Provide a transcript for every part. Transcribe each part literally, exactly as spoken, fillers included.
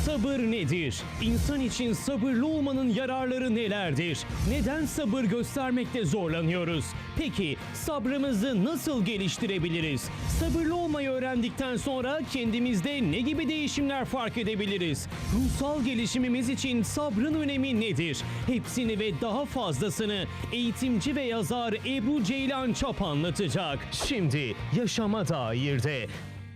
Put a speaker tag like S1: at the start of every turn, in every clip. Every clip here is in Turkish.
S1: Sabır nedir? İnsan için sabırlı olmanın yararları nelerdir? Neden sabır göstermekte zorlanıyoruz? Peki sabrımızı nasıl geliştirebiliriz? Sabırlı olmayı öğrendikten sonra kendimizde ne gibi değişimler fark edebiliriz? Ruhsal gelişimimiz için sabrın önemi nedir? Hepsini ve daha fazlasını eğitimci ve yazar Ebru Ceylan Çap anlatacak. Şimdi Yaşama Dair'de.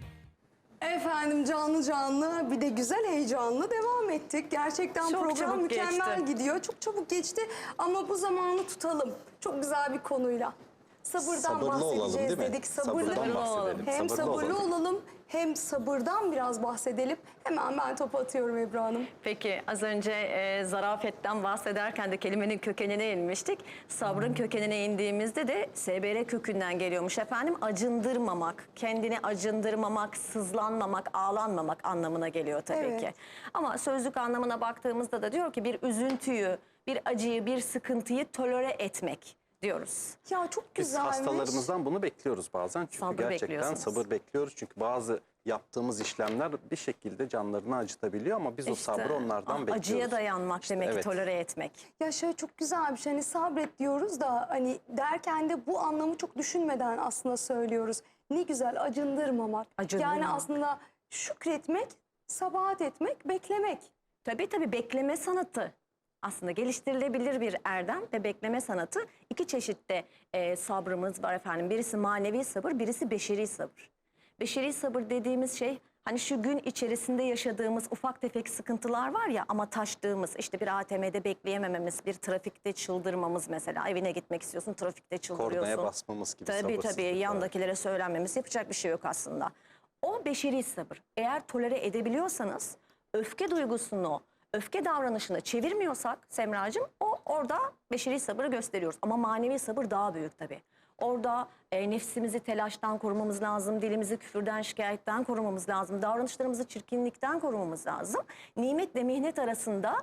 S2: Efendim canlı canlı bir de güzel heyecanlı devam ettik. Gerçekten
S3: Çok
S2: program
S3: çabuk
S2: mükemmel
S3: geçti.
S2: gidiyor. Çok çabuk geçti ama bu zamanı tutalım. Çok güzel bir konuyla. Sabırdan
S4: Sabırlı
S2: bahsedeceğiz
S4: olalım, değil mi?
S2: dedik. Sabırlı,
S4: Sabırdan bahsedelim.
S2: Hem
S4: Sabırlı
S2: sabırlı
S4: olalım.
S2: olalım hem sabırdan biraz bahsedelim. Hemen ben topu atıyorum Ebru Hanım.
S3: Peki az önce e, zarafetten bahsederken de kelimenin kökenine inmiştik. Sabrın kökenine indiğimizde de S B R kökünden geliyormuş efendim. Acındırmamak, kendini acındırmamak, sızlanmamak, ağlanmamak anlamına geliyor tabii
S2: Evet.
S3: ki. Ama sözlük anlamına baktığımızda da diyor ki bir üzüntüyü, bir acıyı, bir sıkıntıyı tolere etmek diyoruz.
S2: Ya çok
S4: Biz
S2: güzelmiş.
S4: hastalarımızdan bunu bekliyoruz bazen. Çünkü
S3: Sabır
S4: gerçekten
S3: bekliyorsunuz.
S4: sabır bekliyoruz. Çünkü bazı yaptığımız işlemler bir şekilde canlarını acıtabiliyor ama biz o
S3: İşte,
S4: sabrı onlardan
S3: a-
S4: bekliyoruz.
S3: Acıya dayanmak
S4: İşte
S3: demek ki
S4: evet.
S3: tolere etmek.
S2: Ya şöyle çok güzel bir şey. Hani sabret diyoruz da hani derken de bu anlamı çok düşünmeden aslında söylüyoruz. Ne güzel acındırmamak.
S3: Acındırmamak.
S2: Yani aslında şükretmek, sabahat etmek, beklemek.
S3: Tabii tabii bekleme sanatı aslında geliştirilebilir bir erdem ve bekleme sanatı. İki çeşitte e, sabrımız var efendim. Birisi manevi sabır, birisi beşeri sabır. Beşeri sabır dediğimiz şey hani şu gün içerisinde yaşadığımız ufak tefek sıkıntılar var ya ama taştığımız işte bir A T M'de bekleyemememiz, bir trafikte çıldırmamız mesela. Evine gitmek istiyorsun, trafikte çıldırıyorsun.
S4: Kornaya basmamız gibi
S3: Tabii tabii
S4: sabırsızlıklar.
S3: yandakilere söylenmemiz yapacak bir şey yok aslında. O beşeri sabır. Eğer tolere edebiliyorsanız öfke duygusunu, öfke davranışını çevirmiyorsak Semracığım o orada beşeri sabırı gösteriyoruz. Ama manevi sabır daha büyük tabii. Orada e, nefsimizi telaştan korumamız lazım, dilimizi küfürden, şikayetten korumamız lazım, davranışlarımızı çirkinlikten korumamız lazım. Nimetle mihnet arasında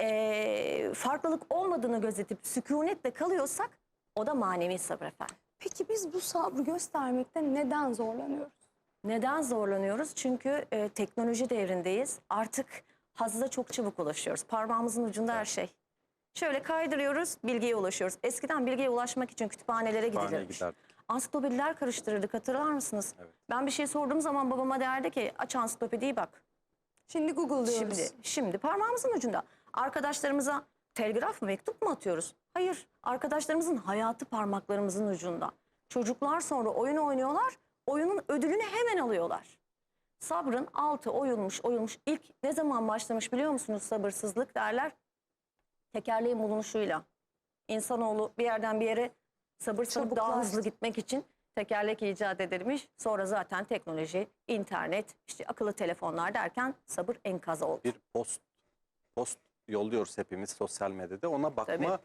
S3: e, farklılık olmadığını gözetip sükunetle kalıyorsak o da manevi sabır efendim.
S2: Peki biz bu sabrı göstermekte neden zorlanıyoruz?
S3: Neden zorlanıyoruz? Çünkü e, teknoloji devrindeyiz. Artık hazza çok çabuk ulaşıyoruz. Parmağımızın ucunda her şey. Şöyle kaydırıyoruz, bilgiye ulaşıyoruz. Eskiden bilgiye ulaşmak için kütüphanelere
S4: Kütüphaneye
S3: gidilirmiş.
S4: giderdik.
S3: Ansiklopediler karıştırırdık, hatırlar mısınız?
S4: Evet.
S3: Ben bir şey sorduğum zaman babama derdi ki aç ansiklopediyi bak.
S2: Şimdi Google diyoruz.
S3: Şimdi, şimdi parmağımızın ucunda. Arkadaşlarımıza telgraf mı, mektup mu atıyoruz? Hayır, arkadaşlarımızın hayatı parmaklarımızın ucunda. Çocuklar sonra oyun oynuyorlar, oyunun ödülünü hemen alıyorlar. Sabrın altı oyulmuş oyulmuş. İlk ne zaman başlamış biliyor musunuz sabırsızlık derler? Tekerleğin bulunuşuyla. İnsanoğlu bir yerden bir yere sabırsızlık daha
S2: Çabuklaştı.
S3: hızlı gitmek için tekerlek icat edilmiş. Sonra zaten teknoloji, internet, işte akıllı telefonlar derken sabır enkaz oldu.
S4: Bir post post yolluyoruz hepimiz sosyal medyada. Ona bakma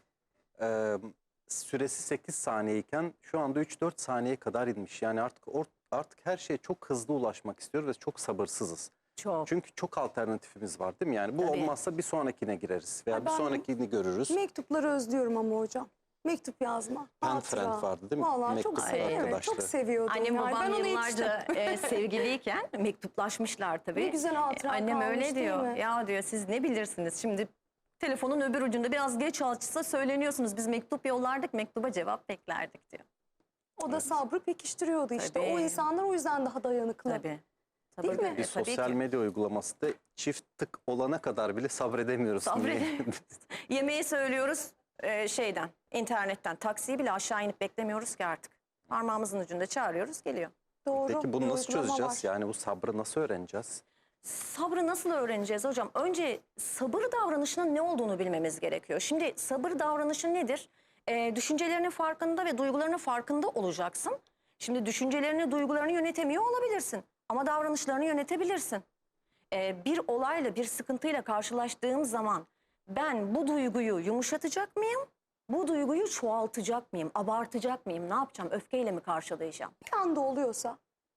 S4: e, süresi sekiz saniyeyken şu anda üç dört saniye kadar inmiş. Yani artık or, artık her şeye çok hızlı ulaşmak istiyoruz ve çok sabırsızız.
S3: Çok.
S4: Çünkü çok alternatifimiz var değil mi? Yani bu
S3: Tabii.
S4: olmazsa bir sonrakine gireriz veya
S2: Ha,
S4: bir
S2: ben-
S4: sonrakini görürüz.
S2: Mektupları özlüyorum ama hocam. Mektup yazma.
S4: Pen
S2: hatıra.
S4: friend vardı değil mi?
S2: Vallahi çok
S4: Mektup
S2: seviyorum. Evet,
S4: arkadaşlığı.
S2: çok seviyordum.
S3: Annem
S2: yani.
S3: babam
S2: Ben onu
S3: yıllarca
S2: yetiştim.
S3: e, sevgiliyken mektuplaşmışlar tabii.
S2: Ne güzel hatıra
S3: E, Annem
S2: kalmış,
S3: öyle
S2: değil
S3: diyor.
S2: mi?
S3: Ya diyor siz ne bilirsiniz? Şimdi telefonun öbür ucunda biraz geç açsa söyleniyorsunuz. Biz mektup yollardık, mektuba cevap beklerdik diyor.
S2: O da sabrı pekiştiriyordu işte.
S3: Tabii.
S2: O insanlar o yüzden daha dayanıklı.
S3: Tabii.
S2: Değil mi?
S3: böyle,
S4: Bir
S3: tabii
S4: sosyal
S3: ki.
S4: medya uygulaması da çift tık olana kadar bile sabredemiyoruz.
S3: Sabredemiyoruz. Yemeği söylüyoruz e, şeyden, internetten. Taksiyi bile aşağı inip beklemiyoruz ki artık. Parmağımızın ucunda çağırıyoruz, geliyor.
S2: Doğru.
S4: Peki bunu
S2: bir
S4: nasıl
S2: uygulama
S4: çözeceğiz?
S2: var.
S4: Yani bu sabrı nasıl öğreneceğiz?
S3: Sabrı nasıl öğreneceğiz hocam? Önce sabır davranışının ne olduğunu bilmemiz gerekiyor. Şimdi sabır davranışı nedir? Ee, düşüncelerinin farkında ve duygularının farkında olacaksın. Şimdi düşüncelerini, duygularını yönetemiyor olabilirsin. Ama davranışlarını yönetebilirsin. Ee, bir olayla, bir sıkıntıyla karşılaştığım zaman ben bu duyguyu yumuşatacak mıyım? Bu duyguyu çoğaltacak mıyım? Abartacak mıyım? Ne yapacağım? Öfkeyle mi karşılayacağım?
S2: Bir anda oluyorsa.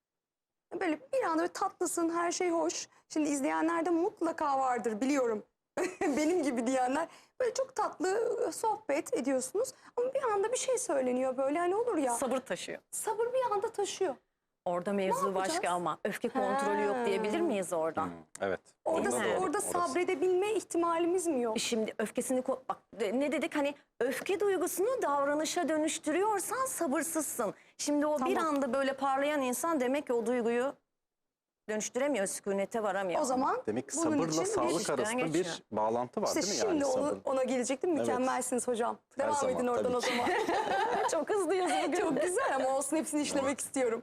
S2: Böyle bir anda böyle tatlısın, her şey hoş. Şimdi izleyenler de mutlaka vardır biliyorum. Benim gibi diyenler. Böyle çok tatlı sohbet ediyorsunuz. Ama bir anda bir şey söyleniyor böyle hani olur ya.
S3: Sabır taşıyor.
S2: Sabır bir anda taşıyor.
S3: Orada mevzu
S2: yapacağız?
S3: başka ama öfke kontrolü yok
S2: Ha.
S3: diyebilir miyiz orada?
S4: Hmm, evet.
S2: Orada,
S3: Değil mi?
S4: doğru,
S2: orada
S4: orası.
S2: sabredebilme ihtimalimiz mi yok?
S3: Şimdi öfkesini ko- bak de- ne dedik hani öfke duygusunu davranışa dönüştürüyorsan sabırsızsın. Şimdi o bir
S2: Tamam.
S3: anda böyle parlayan insan demek ki o duyguyu dönüştüremiyor, sükunete varamıyor.
S2: O zaman
S4: Demek ki
S2: bunun
S4: sabırla
S2: için bir-
S4: sağlık
S3: işten
S4: arasında
S3: geçiyor.
S4: bir bağlantı var
S2: İşte
S4: değil mi?
S2: şimdi
S4: Yani
S2: onu,
S4: sabır.
S2: ona gelecektim.
S4: Evet.
S2: Mükemmelsiniz hocam.
S4: Her
S2: Devam
S4: zaman,
S2: edin oradan
S4: tabii
S2: o
S4: ki.
S2: zaman.
S3: Çok hızlıyız bugün.
S2: Çok güzel ama olsun, hepsini işlemek istiyorum.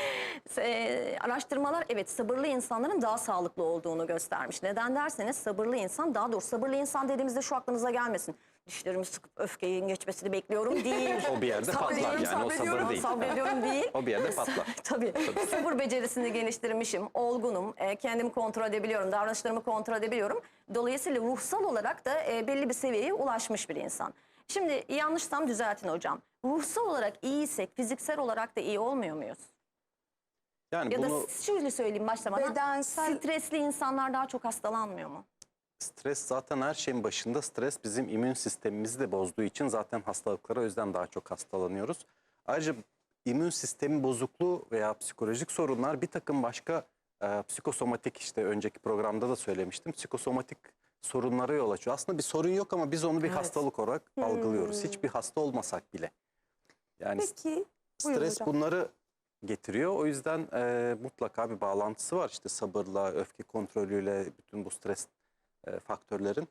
S3: Ee, araştırmalar evet sabırlı insanların daha sağlıklı olduğunu göstermiş. Neden derseniz sabırlı insan, daha doğrusu sabırlı insan dediğimizde şu aklınıza gelmesin. Dişlerimi sıkıp öfkenin geçmesini bekliyorum değil.
S4: O bir yerde patlar
S3: Sabrediyorum,
S4: yani o sabır
S3: sabrediyorum,
S4: değil.
S3: Sabrediyorum değil.
S4: O bir yerde patlar.
S3: Tabii. Sabır becerisini geliştirmişim, olgunum, e, kendimi kontrol edebiliyorum, davranışlarımı kontrol edebiliyorum. Dolayısıyla ruhsal olarak da e, belli bir seviyeye ulaşmış bir insan. Şimdi yanlışsam düzeltin hocam. Ruhsal olarak iyiysek fiziksel olarak da iyi olmuyor muyuz?
S4: Yani
S3: Ya
S4: bunu
S3: da şöyle söyleyeyim başta bana.
S2: Bedensel-
S3: Stresli insanlar daha çok hastalanmıyor mu?
S4: stres zaten her şeyin başında. Stres bizim immün sistemimizi de bozduğu için zaten hastalıklara o yüzden daha çok hastalanıyoruz. Ayrıca immün sistemi bozukluğu veya psikolojik sorunlar bir takım başka e, psikosomatik, işte önceki programda da söylemiştim. Psikosomatik sorunlara yol açıyor. Aslında bir sorun yok ama biz onu bir
S3: Evet.
S4: hastalık olarak algılıyoruz. Hiçbir hasta olmasak bile. Yani
S2: Peki, buyurun
S4: stres
S2: hocam.
S4: bunları getiriyor. O yüzden e, mutlaka bir bağlantısı var. İşte sabırla, öfke kontrolüyle bütün bu stres e, faktörlerin.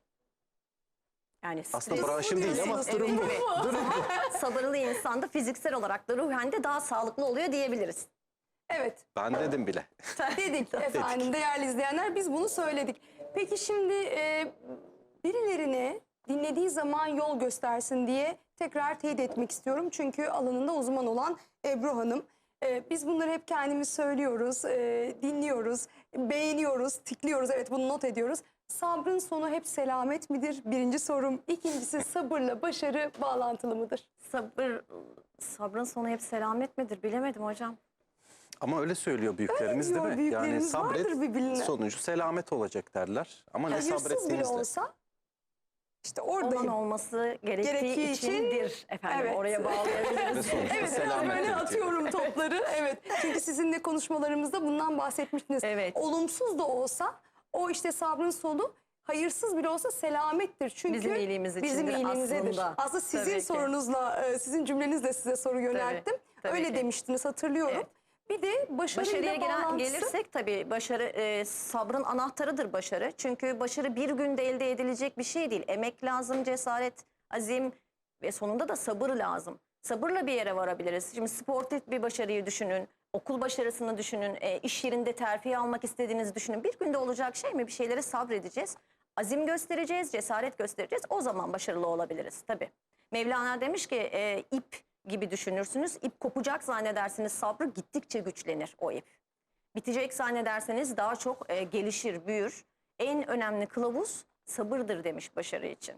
S3: Yani
S4: Aslında
S3: stres-
S4: branşım değil ama
S2: diyorsunuz,
S4: durum bu.
S3: Evet, evet.
S4: Durum bu.
S3: Sabırlı insan da fiziksel olarak da ruhen de daha sağlıklı oluyor diyebiliriz.
S2: Evet,
S4: Ben dedim bile.
S2: dedik efendim değerli izleyenler, biz bunu söyledik. Peki şimdi e, birilerine dinlediği zaman yol göstersin diye tekrar teyit etmek istiyorum. Çünkü alanında uzman olan Ebru Hanım. E, biz bunları hep kendimiz söylüyoruz, e, dinliyoruz, beğeniyoruz, tikliyoruz. Evet, bunu not ediyoruz. Sabrın sonu hep selamet midir? Birinci sorum. İkincisi, sabırla başarı bağlantılı mıdır?
S3: Sabır, sabrın sonu hep selamet midir bilemedim hocam.
S4: Ama öyle söylüyor büyüklerimiz
S2: diyor
S4: değil mi? Yani
S2: büyüklerimiz, vardır
S4: sabret
S2: birbirine.
S4: sonucu selamet olacak derler. Ama ne
S2: Hayırsız bile
S4: sabrettiğinizle.
S2: olsa işte
S3: Olan
S2: oradayım.
S3: olması gerektiği,
S2: Gerektiği için-
S3: içindir efendim.
S2: Evet.
S3: Oraya
S4: Ve
S3: bağlayabiliriz.
S4: sonuçta
S2: Evet, biraz
S4: selametle
S2: böyle
S4: bitiyor.
S2: atıyorum topları. Evet. Çünkü sizinle konuşmalarımızda bundan bahsetmiştiniz.
S3: Evet.
S2: Olumsuz da olsa o işte sabrın sonu hayırsız bile olsa selamettir. Çünkü
S3: Bizim iyiliğimiz
S2: bizim
S3: içindir
S2: iyiliğimizedir.
S3: aslında.
S2: Aslında sizin
S3: Tabii ki.
S2: sorunuzla, e, sizin cümlenizle size soru yönelttim.
S3: tabii
S2: Öyle
S3: ki.
S2: demiştiniz, hatırlıyorum.
S3: Evet.
S2: Bir de başarıyla
S3: Başarıya gelen,
S2: bağlantısı.
S3: gelirsek tabii başarı e, sabrın anahtarıdır başarı. Çünkü başarı bir günde elde edilecek bir şey değil. Emek lazım, cesaret, azim ve sonunda da sabır lazım. Sabırla bir yere varabiliriz. Şimdi sportif bir başarıyı düşünün, okul başarısını düşünün, e, iş yerinde terfi almak istediğinizi düşünün. Bir günde olacak şey mi? Bir şeylere sabredeceğiz. Azim göstereceğiz, cesaret göstereceğiz. O zaman başarılı olabiliriz tabii. Mevlana demiş ki e, ip gibi düşünürsünüz. İp kopacak zannedersiniz, sabrı gittikçe güçlenir o ip. Bitecek zannederseniz daha çok e, gelişir, büyür. En önemli kılavuz sabırdır demiş başarı için.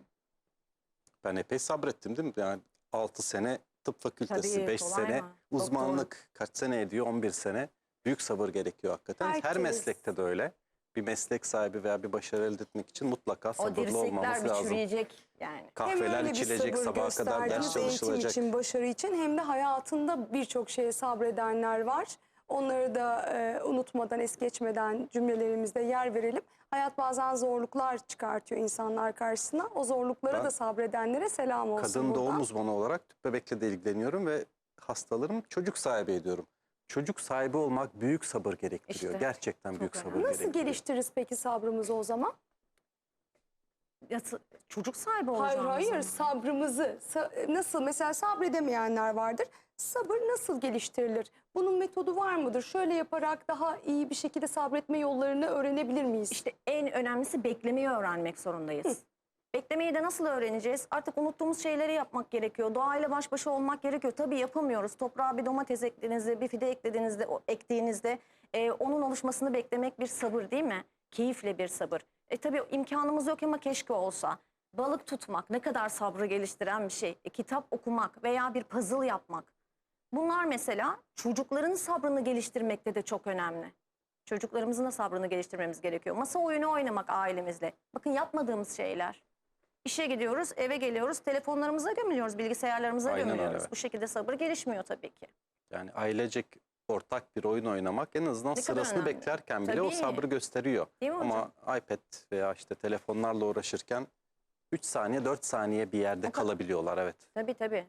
S4: Ben epey sabrettim değil mi? Yani altı sene tıp fakültesi,
S3: Tabii,
S4: beş
S3: kolay
S4: sene
S3: mı? Doktorluk.
S4: uzmanlık kaç sene ediyor? on bir sene. Büyük sabır gerekiyor hakikaten. Her
S2: Herkes.
S4: meslekte de öyle. Bir meslek sahibi veya bir başarı elde etmek için mutlaka
S3: O
S4: sabırlı olmamız
S3: dirsekler bir
S4: lazım.
S3: çürüyecek yani.
S2: Hem
S4: Kahveler
S2: öyle bir
S4: içilecek,
S2: sabır
S4: sabaha kadar ders
S2: gösterdiniz eğitim
S4: çalışılacak.
S2: için, başarı için, hem de hayatında birçok şeye sabredenler var. Onları da e, unutmadan, es geçmeden cümlelerimizde yer verelim. Hayat bazen zorluklar çıkartıyor insanlar karşısına. O zorluklara
S4: Ben
S2: da sabredenlere selam olsun
S4: Kadın
S2: buradan.
S4: doğum uzmanı olarak tüp bebekle de ilgileniyorum ve hastalarım çocuk sahibi ediyorum. Çocuk sahibi olmak büyük sabır gerektiriyor.
S3: İşte,
S4: Gerçekten
S3: çok
S4: büyük
S3: önemli.
S4: sabır
S2: Nasıl
S4: gerektiriyor.
S2: geliştiririz peki sabrımızı o zaman?
S3: Yatı- Çocuk sahibi
S2: Hayır
S3: olacağımız
S2: hayır,
S3: zaman.
S2: sabrımızı sa- nasıl, mesela sabredemeyenler vardır. Sabır nasıl geliştirilir? Bunun metodu var mıdır? Şöyle yaparak daha iyi bir şekilde sabretme yollarını öğrenebilir miyiz?
S3: İşte en önemlisi beklemeyi öğrenmek zorundayız. Beklemeyi de nasıl öğreneceğiz? Artık unuttuğumuz şeyleri yapmak gerekiyor. Doğayla baş başa olmak gerekiyor. Tabii yapamıyoruz. Toprağa bir domates eklediğinizde, bir fide eklediğinizde, o, ektiğinizde e, onun oluşmasını beklemek bir sabır değil mi? Keyifle bir sabır. E tabii imkanımız yok ama keşke olsa. Balık tutmak ne kadar sabrı geliştiren bir şey. E, kitap okumak veya bir puzzle yapmak. Bunlar mesela çocukların sabrını geliştirmekte de çok önemli. Çocuklarımızın da sabrını geliştirmemiz gerekiyor. Masa oyunu oynamak ailemizle. Bakın yapmadığımız şeyler. İşe gidiyoruz, eve geliyoruz, telefonlarımıza gömülüyoruz, bilgisayarlarımıza
S4: Aynen öyle,
S3: gömülüyoruz.
S4: evet.
S3: Bu şekilde sabır gelişmiyor tabii ki.
S4: Yani ailecek ortak bir oyun oynamak en azından
S3: Ne kadar
S4: sırasını
S3: önemli.
S4: beklerken bile o
S3: Tabii.
S4: sabrı gösteriyor.
S3: Değil mi hocam?
S4: Ama iPad veya işte telefonlarla uğraşırken üç saniye dört saniye bir yerde kalabiliyorlar, evet.
S3: Tabii tabii.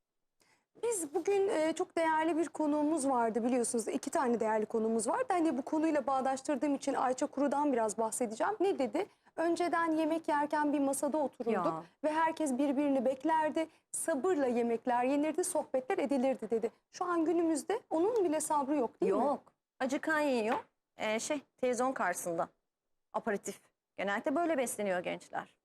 S2: Biz bugün e, çok değerli bir konuğumuz vardı biliyorsunuz. İki tane değerli konuğumuz vardı. Hani bu konuyla bağdaştırdığım için Ayça Kuru'dan biraz bahsedeceğim. Ne dedi? Önceden yemek yerken bir masada otururduk
S3: Ya.
S2: ve herkes birbirini beklerdi. Sabırla yemekler yenirdi, sohbetler edilirdi dedi. Şu an günümüzde onun bile sabrı yok değil mi?
S3: Yok. Acıkan yiyor. Ee, şey televizyon karşısında. Aperatif. Genellikle böyle besleniyor gençler.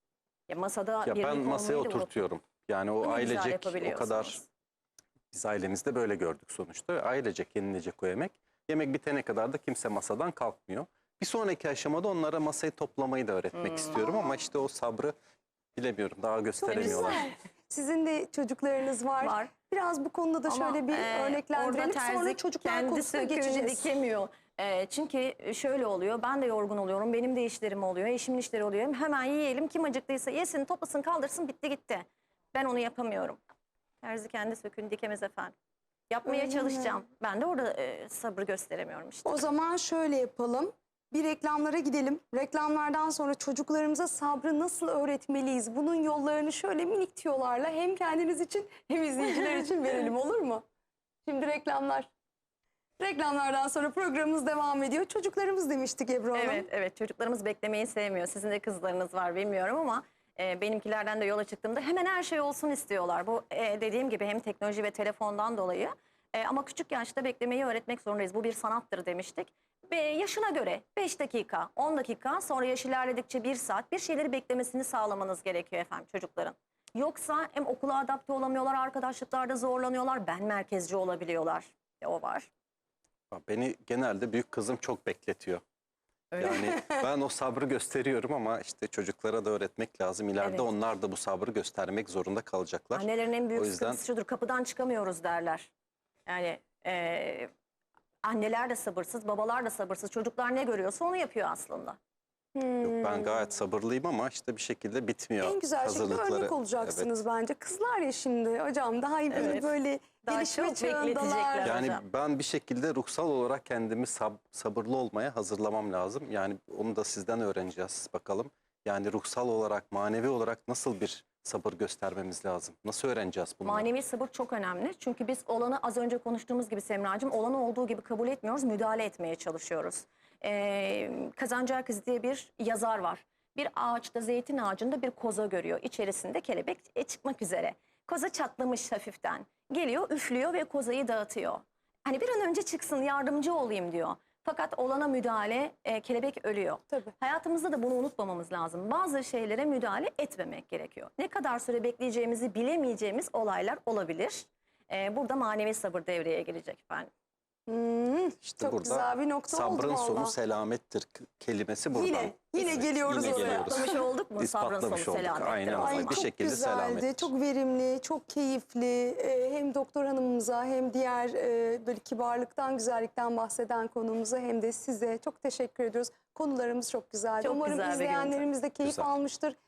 S3: Ya masada
S4: Ya
S3: birlik
S4: ben masaya
S3: olmayı da
S4: oturtuyorum. Yani o
S3: Ne güzel
S4: ailecek o
S3: yapabiliyorsunuz.
S4: kadar, biz ailemizde böyle gördük sonuçta. Ailecek yenilecek o yemek. Yemek bitene kadar da kimse masadan kalkmıyor. Bir sonraki aşamada onlara masayı toplamayı da öğretmek
S3: Hmm.
S4: istiyorum ama işte o sabrı bilemiyorum, daha
S2: Çok
S4: gösteremiyorlar.
S2: güzel. Sizin de çocuklarınız var.
S3: Var.
S2: Biraz bu konuda da
S3: Ama,
S2: şöyle bir
S3: e,
S2: örneklendirelim.
S3: orada terzi
S2: Sonra çocuklar
S3: kendi
S2: konusuna
S3: söküğünü
S2: geçeceğiz.
S3: dikemiyor. E, çünkü şöyle oluyor, ben de yorgun oluyorum, benim de işlerim oluyor, eşimin işleri oluyor. Hemen yiyelim, kim acıktıysa yesin, toplasın, kaldırsın, bitti gitti. Ben onu yapamıyorum. Terzi kendi söküğünü dikemez efendim. Yapmaya
S2: Öyle mi?
S3: çalışacağım. Ben de orada e, sabır gösteremiyorum işte.
S2: O zaman şöyle yapalım. Bir reklamlara gidelim. Reklamlardan sonra çocuklarımıza sabrı nasıl öğretmeliyiz? Bunun yollarını şöyle minik tüyolarla hem kendiniz için hem izleyiciler için verelim, olur mu? Şimdi reklamlar. Reklamlardan sonra programımız devam ediyor. Çocuklarımız demiştik Ebru Hanım.
S3: Evet, evet. Çocuklarımız beklemeyi sevmiyor. Sizin de kızlarınız var bilmiyorum ama e, benimkilerden de yola çıktığımda hemen her şey olsun istiyorlar. Bu e, dediğim gibi hem teknoloji ve telefondan dolayı. E, ama küçük yaşta beklemeyi öğretmek zorundayız. Bu bir sanattır demiştik. Ve yaşına göre beş dakika, on dakika, sonra yaş ilerledikçe bir saat bir şeyleri beklemesini sağlamanız gerekiyor efendim çocukların. Yoksa hem okula adapte olamıyorlar, arkadaşlıklarda zorlanıyorlar, ben merkezci olabiliyorlar. E, o var.
S4: Beni genelde büyük kızım çok bekletiyor.
S3: Öyle.
S4: Yani ben o sabrı gösteriyorum ama işte çocuklara da öğretmek lazım. İleride
S3: Evet.
S4: onlar da bu sabrı göstermek zorunda kalacaklar.
S3: Annelerin en büyük
S4: O yüzden-
S3: sıkıntısı şudur, kapıdan çıkamıyoruz derler. Yani e, anneler de sabırsız, babalar da sabırsız. Çocuklar ne görüyorsa onu yapıyor aslında.
S4: Yok, ben gayet sabırlıyım ama işte bir şekilde bitmiyor
S2: En güzel şekilde
S4: hazırlıkları.
S2: örnek olacaksınız bence. Kızlar ya şimdi hocam daha iyi
S3: Evet.
S2: böyle
S3: Daha
S2: gelişme
S3: çok
S2: çağındalar.
S3: bekletecekler.
S4: Yani
S3: hocam.
S4: ben bir şekilde ruhsal olarak kendimi sab- sabırlı olmaya hazırlamam lazım. Yani onu da sizden öğreneceğiz bakalım. Yani ruhsal olarak, manevi olarak nasıl bir sabır göstermemiz lazım? Nasıl öğreneceğiz bunu?
S3: Manevi sabır çok önemli. Çünkü biz olanı az önce konuştuğumuz gibi Semracığım, olanı olduğu gibi kabul etmiyoruz, müdahale etmeye çalışıyoruz. Ee, Kazancı Herkes diye bir yazar var. Bir ağaçta, zeytin ağacında bir koza görüyor. İçerisinde kelebek e, çıkmak üzere. Koza çatlamış hafiften. Geliyor, üflüyor ve kozayı dağıtıyor. Hani bir an önce çıksın, yardımcı olayım diyor. Fakat olana müdahale, e, kelebek ölüyor.
S2: Tabii.
S3: Hayatımızda da bunu unutmamamız lazım. Bazı şeylere müdahale etmemek gerekiyor. Ne kadar süre bekleyeceğimizi bilemeyeceğimiz olaylar olabilir. Ee, burada manevi sabır devreye girecek efendim.
S2: Hmm,
S4: İşte
S2: çok
S4: burada
S2: güzel bir nokta oldu
S4: sabrın
S2: valla.
S4: sonu selamettir k- kelimesi buradan.
S2: Yine, yine
S4: Evet,
S2: geliyoruz
S4: yine
S2: oraya.
S4: geliyoruz.
S3: İspatlamış olduk mu? Sabrın
S4: İspatlamış
S3: sonu
S4: olduk.
S3: selamettir.
S4: Aynen
S3: o
S4: öyle.
S3: zaman.
S4: Bir
S2: Çok
S4: şekilde
S2: güzeldi,
S4: selamettir.
S2: çok verimli, çok keyifli. Ee, hem doktor hanımımıza hem diğer e, böyle kibarlıktan, güzellikten bahseden konuğumuza hem de size çok teşekkür ediyoruz. Konularımız çok güzeldi.
S3: Çok
S2: Umarım
S3: güzel bir gündü.
S2: izleyenlerimiz de keyif
S4: Güzel.
S2: almıştır.